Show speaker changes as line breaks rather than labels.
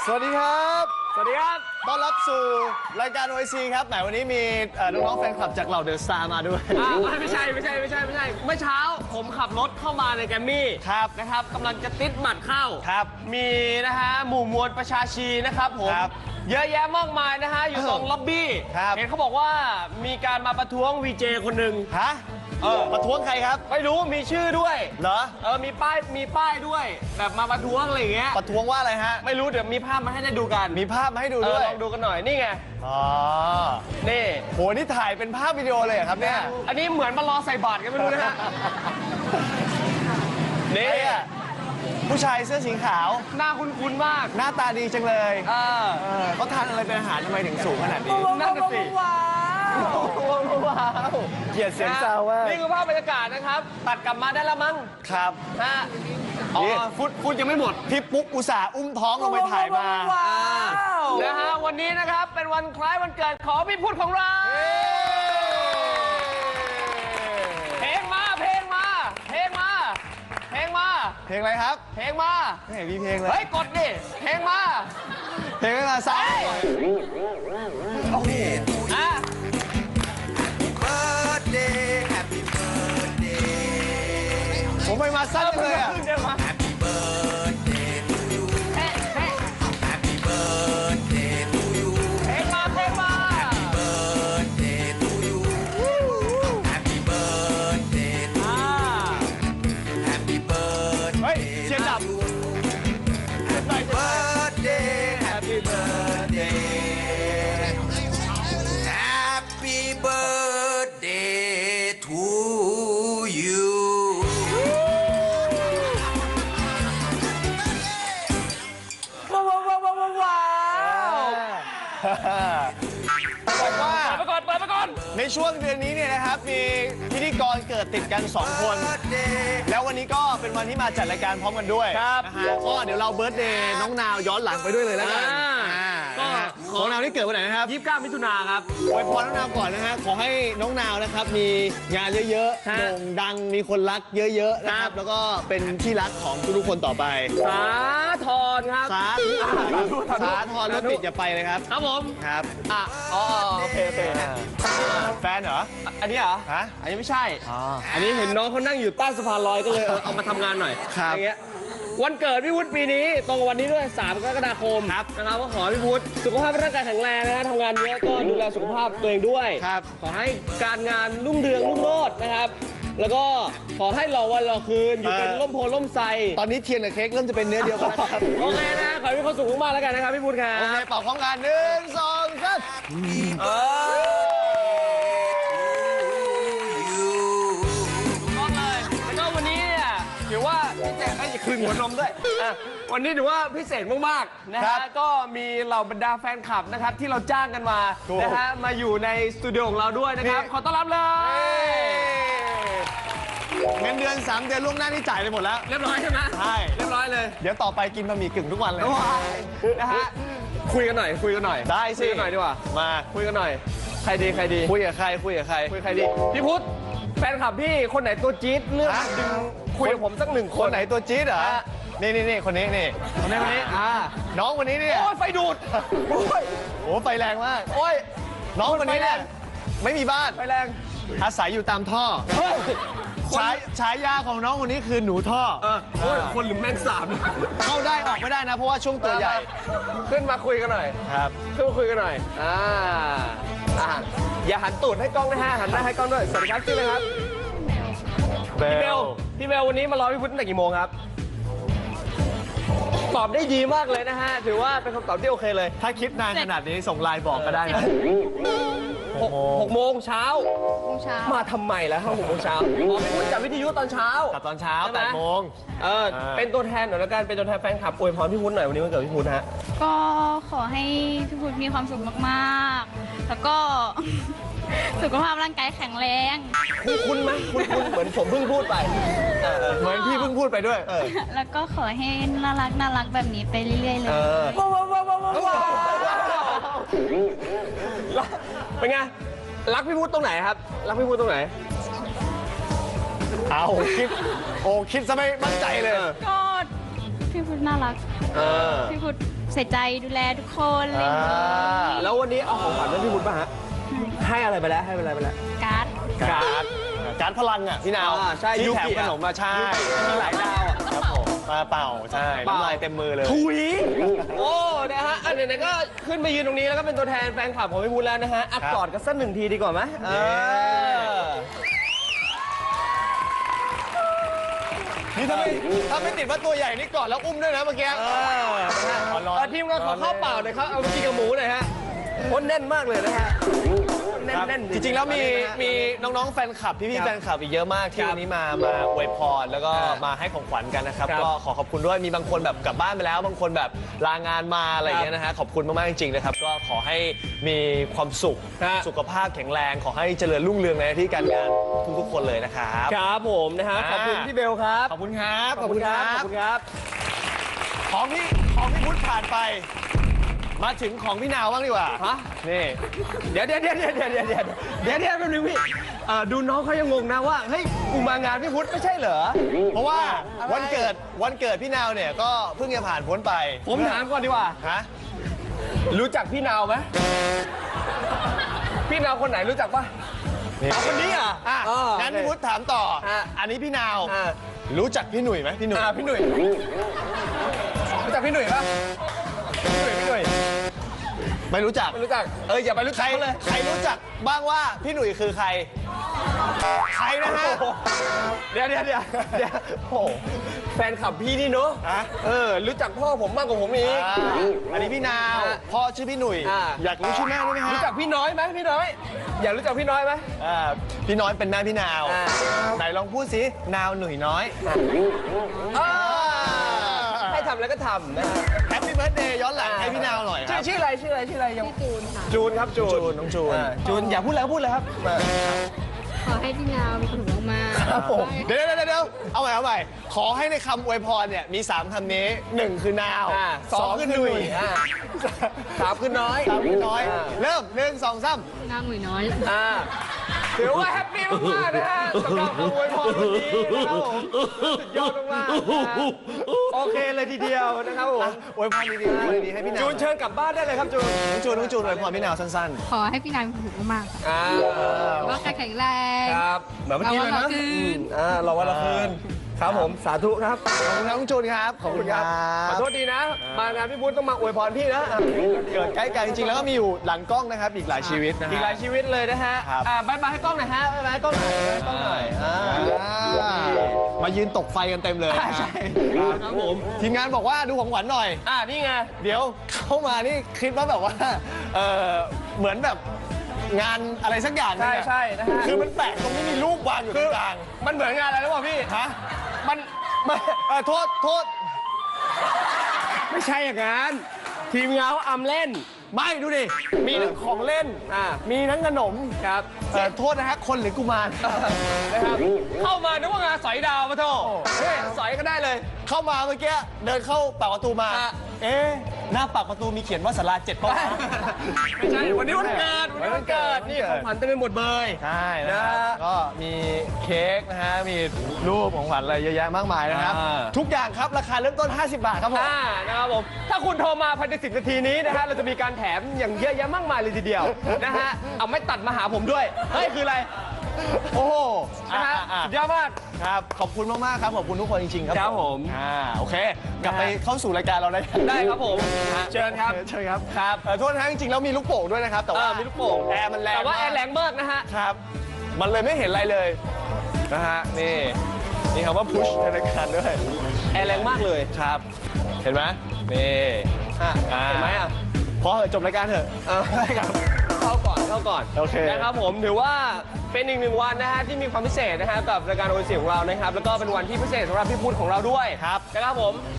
สวัสดีครับ
สวัสดีครับ
ต้อนรับสู่รายการ OIC ครับแหมวันนี้มีน้องๆแฟนคลับจากเหล่าเดอะสตาร์มาด้วย
ไม่ใช่เมื่อเช้าผมขับรถเข้ามาในแกรมมี่
ครับ
นะครับกำลังจะติดหมัดเข้า
ครับ
มีนะฮะหมู่มวลประชาชีนะครับผม
ครับ
เยอะแยะมากมายนะฮะอยู่ตรงล็อบบี้
ครับ
เห็นเขาบอกว่ามีการมาประท้วงวีเจคนหนึ่ง
ฮะประท้วงใครครับ
ไม่รู้มีชื่อด้วย
เหรอ
มีป้ายด้วย แบบมาประท้วงอะไรอย่างเงี้ย
ประท้วงว่าอะไรฮะ
ไม่รู้เดี๋ยวมีภาพมาให้ได้ดูกัน
มีภาพมาให้ดูด้วย
ลองดูกันหน่อยนี่ไง
อ๋อ
นี่
โหนี่ถ่ายเป็นภาพวิดีโอเลยเหรอครับเนี่ย
อันนี้เหมือนมารอใส่บาตรกันไม่รู้นะฮะ นี่
ไอ้อะผู้ชายเสื้อสีขาว
หน้าคุ้นๆมาก
หน้าตาดีจังเลย
เขา
เขาทานอะไรเป็นอาหารทำไมถึงสูงขนาดนี้
นั่นน่ะสิ
ว้าวเกลียดเสียงซาวว่า
นี่คือภาพบรรยากาศนะครับ ตัดกลับมาได้แล้วมั้ง
ครับ
ฮะอ๋อ
นี่
ฟุตยังไม่หมด
พี่ปุ๊กอุตส่าห์อุ้มท้องลงไปถ่ายมา
นะฮะวันนี้นะครับเป็นวันคล้ายวันเกิดของพี่พุทธของเรา เพลงมา
เพลงอะไรครับ
เพลงมา
ไม่เห็นมีเพลงเลย
เฮ้ยกดดิเพลงมา
เพลงอะไรมาซ้าย
อ่ะ
birthday, happy birthday,
ผมไปมาสั้นเลยอ่ะ
เดี๋ยวมา
happy birthday to you,
เฮ้เฮ้
happy birthday to you,
เพลงมา
birthday to you, happy birthday to
อ่า
happy
เฮ้ย
birthday,
เชียร์ดับ
birthday, happy birthday, happy birthday to you.
ว้าว
บอกว่า
เปิดไปก่อน
ในช่วงเดือนนี้เนี่ยนะครับ มีพิธีกรเกิดติดกัน 2 คน แล้ววันนี้ก็เป็นวันที่มาจัดรายการพร้อมกันด้วย
ครับ
นะฮะก็เดี๋ยวเราเบิร์ธเดย์น้องนาวย้อนหลังไปด้วยเลยแล้วกัน
ก็
ของนาวที่เกิดวันไหนนะครับ
29 มิถุนาครับ
อวยพรน้องนาวก่อนนะฮะ ขอให้น้องนาวนะครับ มีงานเยอะๆ
ฮะ
โด่งดัง มีคนรักเยอะๆ นะค
ครั
รับ
บ
แล้วก็เป็นที่รักของทุกๆคนต่อไป
สาธรครับ
สาธรรถติดอย่าไปเลยครับ
ครับผม
ครับ
อ๋อโอเค
แฟนเหรอ
อันนี้เหรอ
ฮะ
อันนี้ไม่ใช่
อ๋อ
อันนี้เห็นน้องเขานั่งอยู่ใต้สะพานลอยก็เลยเอามาทำงานหน่อย
ครับ
อย่างเงี้ยวันเกิดพี่วุฒิปีนี้ตรงกับวันนี้ด้วย3 กรกฎาคม
ครับ
นะครับก็ขอให้พี่วุฒิสุขภาพร่างกายแข็งแรงนะฮะทำงานเยอะก็ดูแลสุขภาพตัวเองด้วย
ครับ
ขอให้การงานรุ่งเรืองรุ่งโรจน์นะครับ แล้วก็ขอให้รอวันรอคืนอยู่เป็นร่มโพล่มไทร
ตอนนี้เทียนกับเค้กเริ่มจะเป็นเนื้อเดียวกันแล้วครับ
โอเคนะขอให้มีความสุขมากๆแล้วกันนะครับพี่วุฒิครั
โอเค
บ
เป่าพร้อมกัน1 2 3
ต้องเลยแล้วก็วันนี้เนี่ยถือว่าพิเศษให้คืนหัวนมด้วยวันนี้ถือว่าพิเศษมากๆนะ
ครั
ฮะ
บ
ก็มีเหล่าบรรดาแฟนคลับนะครับที่เราจ้างกันมา
ถูก
นะฮะมาอยู่ในสตูดิโอของเราด้วยนะครับ
นี่
ขอต้อนรับเลย
เงินเดือน 3 เดือนล่วงหน้านี่จ่ายไปหมดแล้ว
เรียบร้อยใช่ไหม
ใช่
เรียบร้อยเลย
เดี๋ยวต่อไปกินบะหมี่กึ่งทุกวันเลย
นะฮะคุยกันหน่อย
ได้สิ
คุยกันหน่อยดีกว่า
มา
คุยกันหน่อยใครดี
คุยกับใคร
คุยใครดีพี่พุทธแฟนคลับพี่คนไหนตัวจี๊ดเลือก
ฮะ
ดึงคุยกับผมสัก1 ค
คน นไหนตัวจี๊ดเหรอ
ฮะ
นี่คนนี้นี่
คนไหนคนนี้
น้องคนนี้เนี่ย
โอ้ยไฟดูดโอ้ย
โอ้ไฟแรงมาก
โอ้ย
น้องคนนี้เนี่ยไม่มีบ้าน
ไฟแรง
อาศัยอยู่ตามท่อ
เฮ้ย
ฉายาของน้องคนนี้คือหนูท่อ
โอ้ยคนหรือแมงสาบ
เข้าได้ออกไม่ได้นะ เพราะว่าช่วงตัวใหญ่
ขึ้นมาคุยกันหน่อย
ครับ
ขึ้นมาคุยกันหน่อยอย่าหันตูดให้กล้องนะฮะหันหน้าให้กล้องด้วยสวัสดีครับชื่ออะไรครับพี่เบลวันนี้มารอพี่พุทธตั้งแต่กี่โมงครับตอบได้ดีมากเลยนะฮะถือว่าเป็นคำตอบที่โอเคเลย
ถ้าคิดนานขนาดนี้ส่งไลน์บอกก็ได้นะ
6 โมงเช้ามาทำไมแล้วครับ6 โมงเช้าอ๋อพี่พุทธจัดวิทยุตอนเช้า
ตัดตอนเช้า
ใช่ไหม
8 โมง
เป็นตัวแทนหน่อยแล้วกันเป็นตัวแทนแฟนคลับอวยพรพี่พุทธหน่อยวันนี้วันเกิดพี่พุทธฮะ
ก็ขอให้พี่พุทธมีความสุขมากๆ แล้วก็ สุขภาพร่างกายแข็งแรง
คุ้นไหมคุ้นเหมือนผมเพิ่งพูดไป
เหมือนพี่เพิ่งพูดไปด้วย
แล้วก็ขอให้น่ารักแบบนี้ไปเรื่อยๆเลย
เป็นไง รักพี่พุทธตรงไหนครับ รักพี่พุทธตรงไหน
เอาคิดซะไม่มั่นใจเลย
ก็พี่พุทธน่ารัก พี่พุทธใส่ใจดูแลทุกคนอะไรอย่างเงี้ย
แล้ววันนี้เอาของขวัญให้พี่วุฒิป่ะฮะ ให้อะไรไปแล้ว ให้อะไรไปแล้ว
การ์ด
การดพลังอ่ะพี่นาว
ใช่
ที่
ยุ
แถม
กิ
ขนมมาใช่
มีหลายดาวอ่ะ
ครับผมมาเป่าใช่น้ำลายเต็มมือเลย
ถุย โอ้ นะฮะ อันไหนๆก็ขึ้นมายืนตรงนี้แล้วก็เป็นตัวแทนแฟนคลับของพี่วุฒิแล้วนะฮะอัด
ครับ
กอดกันสักหนึ่งทีดีกว่าไหม
นี่ถ้าไม่ติดว่าตัวใหญ่นี่กอดแล้วอุ้มด้วยนะเมื่อกี้
ทีมงานขอข้าวเปล่าหน่อยครับ เอาไปกินกับหมูหน่อยฮะคนแน่นมากเลยนะฮะแน่น
จริงๆแล้วมีน้องๆแฟนคลับพี่ๆแฟนคลับอีกเยอะมากที่วันนี้มาอวยพรแล้วก็มาให้ของขวัญกันนะครับก็ขอบคุณด้วยมีบางคนแบบกลับบ้านไปแล้วบางคนแบบลางานมาอะไรอย่างเงี้ยนะฮะขอบคุณมากๆจริงๆนะครับก็ขอให้มีความสุขสุขภาพแข็งแรงขอให้เจริญรุ่งเรืองในหน้าที่การงานทุกๆคนเลยนะครับ
ครับผมนะฮะขอบคุณพี่เบลครับ
ขอบคุณครับ
ขอบคุณครับ
ของพี่พุทธผ่านไป มาถึงของพี่นาวบ้างดีกว่า
ฮะ
นี่
เดี๋ยวแป๊บนึงพี่ดูน้องเขายังงงนะว่าเฮ้ยกูมางานพี่พุทธไม่ใช่เหรอ
เพราะว่า
อะไร
วันเกิดพี่นาวเนี่ยก็เพิ่งจะผ่านพ้นไป
ผมถามก่อนดีกว่า
ฮะ
รู้จักพี่นาวไหมพี่นาวคนไหนรู้จักปะเอาคนนี้อ่ะ
งั้นพี่พุทธถามต่อ อันนี้พี่นาว รู้จักพี่หนุ่ยไหมพี่หนุ่ย
พี่หนุ่ยรู้จักพี่หนุ่ยปะพี่หนุ่ย
ไม่รู้จัก
ไม่รู้จักอย่าไปรู้
ใค
จั
ร
กเขาเลย
ใครรู้จักบ้างว่าพี่หนุ่ยคือใคร ใครนะฮะ
เดี๋ยวโอ้แฟนคลับพี่นี่เนอะรู้จักพ่อผมมากกว่าผมอีก
อันนี้พี่นาวพ่อชื่อพี่หนุ่ยอยากรู้ชื่อแม่ด้วยไหมฮะ
รู้จักพี่น้อยไหมพี่น้อย อยากรู้จักพี่น้อยไหม
พี่น้อยเป็นแม่พี่นาว ไหนลองพูดสินาวหนุ่ยน้อย
ให้ทำแล้วก็ทำนะฮะ
แฮปปี้เบิร์ดเดย์ย้อนหลังให้พี่นาวหน่อยครับ
ชื่ออะไรยังจูนค่ะจูนครับจูน
น้องจูน
จูนอย่าพูดแล้วพูดเลยครับ
ขอให้พี่นาวมีความสุขมาก
ครับผมเดี๋ยวเอาใหม่ขอให้ในคำอวยพรเนี่ยมี3คำนี้1คือนาว2คือหนุ่ย
3คือน้อย
3คือน้อยเริ่ม1 2 3
นางหนุ่ยน้อย
ถือว่าแฮปปี้มากๆนะฮะสำหรับคำอวยพรวันนี้นะครับผมสุดยอดมากๆนะฮะโอเคเลยทีเดียวนะครับผม
อวยพรดีๆให้พี่นาว
จูนเชิญกลับบ้านได้เลยครับจูน
น้องจูนอวยพรพี่นาวสั้น
ขอให้พี่นาวมีความสุขมากๆค่ะ
ๆ
แล้วก็แข็งแรง
ครับเหมือนเมื่อกี้เลยนะ
เราวันละคืน
เราวันละคืนครับผมสาธุครับ
ขอบคุณครับน้องจูนครับขอบคุณครับ
ขอโทษดีนะ มางานพี่พุทธต้องมาอวยพรพี่นะ
เกิดใกล้กันจริงๆแล้วก็มีอยู่หลังกล้องนะครับอีกหลายชีวิตนะฮะ
อีกหลายชีวิตเลยนะฮะ
ครับ
บายบายให้กล้องหน่อยฮะบายบายให้กล้องหน่อยบายบายให้กล้องหน่อย
มายืนตกไฟกันเต็มเลย
ใช่ครับผม
ทีมงานบอกว่าดูของขวัญหน่อย
นี่ไง
เดี๋ยวเข้ามานี่คิดว่าแบบว่าเหมือนแบบงานอะไรสักอย่างนึงอะ
ใช่นะฮะ
คือมันแปลกตรงที่มีรูปวางอยู่ตรงกลาง
มันเหมือนงานอะไรรู้ป่ะพี่
ฮะ
มัน
โทษ
ไม่ใช่อย่างนั้นทีมงานเขาอำเล่น
ไม่ดูดิมีทั้งของเล่นมีทั้งขนม
ครับ
โทษนะฮะคนหรือกุมาร
นะครับเข้ามานึกว่างานสอยดาวมาโทษสอยก็ได้เลย
เข้ามาเมื่อกี้เดินเข้าปากประตูมา เอ๊ะหน้าปากประตูมีเขียนว่าศาลา7 ป่ะ
ไม่ใช่วันนี้วันเกิดนี่ของขวัญเต็มไปหมดเลย
ใช่นะฮะก็มีเค้กนะฮะมีรูปของขวัญอะไรเยอะแยะมากมายนะครับ ทุกอย่างครับราคาเริ่มต้น50 บาทครับผม
นะครับผมถ้าคุณโทรมาภายใน10 นาทีนี้นะฮะเราจะมีการแถมอย่างเยอะแยะมากมายเลยทีเดียวนะฮะเอาไม่ตัดมาหาผมด้วยเฮ้ยคืออะไร
โอ้โห
นะฮะสุดยอดมาก
ครับ ขอบคุณมาก ๆ ครับ ขอบคุณทุกคนจริง ๆ ครับ
ครับผม
โอเค กลับไปเข้าสู่รายการเราได้
ได้ครับผมเชิญครับ
เชิญครับครับโทษนะจริง ๆ แล้วมีลูกโป่งด้วยนะครับ แต่ว่า
มีลูกโป่ง
แอร์มันแรง
แต่ว่าแอร์แรงมากนะฮะ
ครับ มันเลยไม่เห็นอะไรเลยนะฮะนี่คำว่า push ในรายการด้วย
แอร์แรงมากเลย
ครับ เห็นไหมนี่
เห็นไหม
พอเหอะจบรายการเถอะได้ครับ
เข้าก่อน
โอเค
นะครับผมถือว่าเป็นอีก1 วันนะฮะที่มีความพิเศษนะฮะกับรายการโอเสียของเรานะครับแล้วก็เป็นวันที่พิเศษสำหรับพี่พุทธของเราด้วย
ครับ
นะครับผม